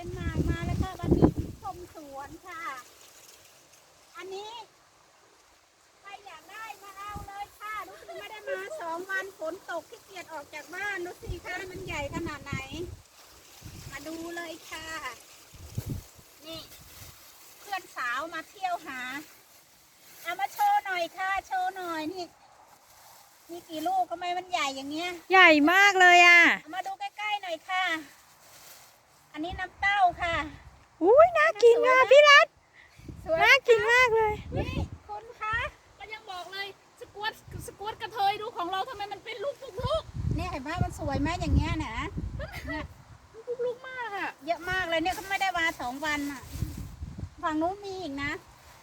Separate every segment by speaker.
Speaker 1: นมาร์กมาแล้วค่ะวันนี้ชมสวนค่ะอันนี้ใครอยากได้มาเอาเลยค่ะรู้สึกไม่ได้มา2 วันฝนตกขี้เกียจออกจากบ้านดูสิคะมันใหญ่ขนาดไหนมาดูเลยค่ะนี่เพื่อนสาวมาเที่ยวหาเอามาโชว์หน่อยค่ะโชว์หน่อยนี่มีกี่ลูกทำไมมันใหญ่อย่างเงี้ย
Speaker 2: ใหญ่มากเลยอ่ะ
Speaker 1: เอามาดูใกล้ๆหน่อยค่ะอันนี้น้ำเต้าค่ะ
Speaker 2: อุ้ยน่ากินอ่ะพี่รัตน่ากินมากเลย
Speaker 1: นี่คุณคะก็ยังบอกเลยสกวตกระเทยดูของเราทำไมมันเป็นลูกเนี่ยเห็นไหมมันสวยไหมอย่างเงี้ยนะเนี่ยลูกมากอะเยอะมากเลยเนี่ยเขาไม่ได้มา2 วันอะฝั่งนู้นมีอีกนะ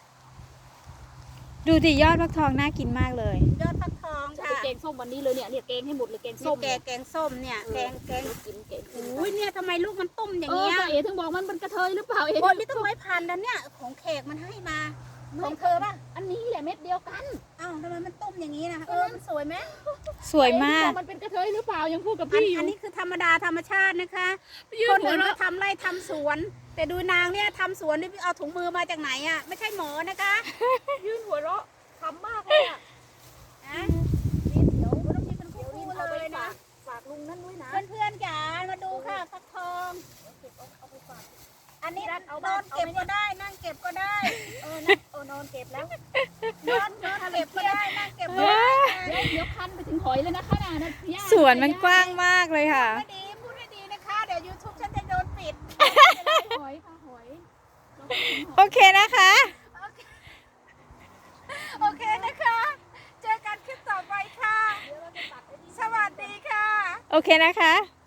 Speaker 2: ดูดิยอดฟักทองน่ากินมากเลย
Speaker 1: ยอดฟักทองค่ะ
Speaker 3: แกงส้มวันนี้เลยเนี่ยแกงให้หมดเลยแกงส้ม
Speaker 1: แกงส้มเนี่ยแกง
Speaker 3: กิน
Speaker 1: อุ้ยเนี่ยทำไมลูกมันตุ้มอย่าง
Speaker 3: เงี้
Speaker 1: เงี้ย
Speaker 3: เอ๋ถึงบอกมันเป็นกระเทยหรือเปล่าเอ๋
Speaker 1: โอ้ยนี่ต้องไว้พันแล้วเนี่ยของแขกมันให้มาของเธอป่ะ
Speaker 3: อันนี้แหละเม็ดเดียวกัน
Speaker 1: อ้าวทำไมมันตุ้มอย่างนี้นะมันสวยไหม
Speaker 2: สวยมาก
Speaker 3: มันเป็นกระเทยหรือเปล่ายังพูดกับพี่อยู่
Speaker 1: อันนี้คือธรรมดาธรรมชาตินะคะคนอื่นก็ทำไร่ทำสวนแต่ดูนางเนี่ยทำสวนนี่เอาถุงมือมาจากไหนอ่ะไม่ใช่หมอนะคะ
Speaker 3: ยืนหัวเราะทำมากเลยอ่ะ
Speaker 1: นี่เดี๋ยวต้องมีเป็นคู่เลยนะ
Speaker 3: ฝากลุงนั่นด้วยนะ
Speaker 1: เพื่อนๆจ๋ามาดูค่ะฟักทองอันนี้นอนเก็บก็ได้นั่งเก็บก็ได้
Speaker 3: นอนเก็บแล้ว
Speaker 1: นอนเก็บก็ได้นั่งเก็บก็ได้
Speaker 3: เดี๋ยวคันไปถึงหอยเลยนะคะนะ
Speaker 2: สวนมันกว้างมากเลยค่ะ
Speaker 1: พูดให้ดีนะคะเดี๋ยว YouTube ฉันจะโดนปิด
Speaker 3: หอยค่ะหอย
Speaker 2: โอเคนะคะ
Speaker 1: โอเคนะคะเจอกันคลิปต่อไปค่ะสวัสดีค่ะ
Speaker 2: โอเคนะคะ